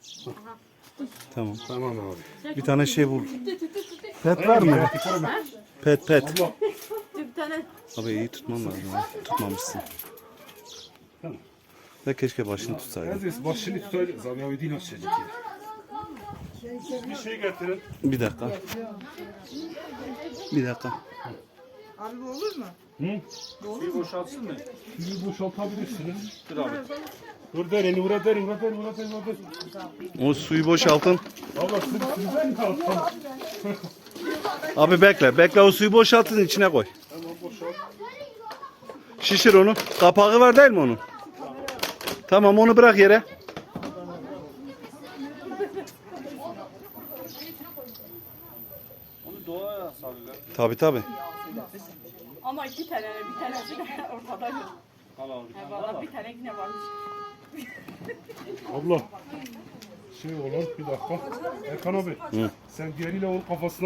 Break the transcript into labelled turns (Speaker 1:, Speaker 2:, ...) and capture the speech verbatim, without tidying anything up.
Speaker 1: Tamam.
Speaker 2: Tamam abi.
Speaker 1: Bir tane şey bul. Pet var mı? Pet pet.
Speaker 2: Abla.
Speaker 3: Bir tane.
Speaker 1: Abi iyi tutman lazım. ha. Tutmamışsın.
Speaker 2: Tamam.
Speaker 1: Ve keşke başını tutsaydın.
Speaker 2: Aziz başını tutaydı. Zamyavi din açacak ya. Bir şey getirin.
Speaker 1: Bir dakika. Bir dakika.
Speaker 4: Abi bu olur mu?
Speaker 2: Hı?
Speaker 5: Suyu boşaltsın mı?
Speaker 2: Suyu boşaltabilirsiniz.
Speaker 5: Dur abi.
Speaker 2: Dur derin, vura derin, vura derin, vura derin, vura derin.
Speaker 1: O suyu boşaltın.
Speaker 2: Abla siz, sizden mi attın?
Speaker 1: Abi bekle. Bekle o suyu boşaltın içine koy.
Speaker 2: Tamam boşalt.
Speaker 1: Şişir onu. Kapağı var değil mi onun? Tamam onu bırak yere.
Speaker 5: Onu doğaya salıyorlar.
Speaker 1: Tabi tabi.
Speaker 3: Ama iki tane, bir tanesi de ortada yok.
Speaker 5: Al abi.
Speaker 3: Ha, Valla bir tane yine varmış.
Speaker 2: Abla. Şey olur bir dakika. Erkan abi. Sen diğeriyle onun kafasına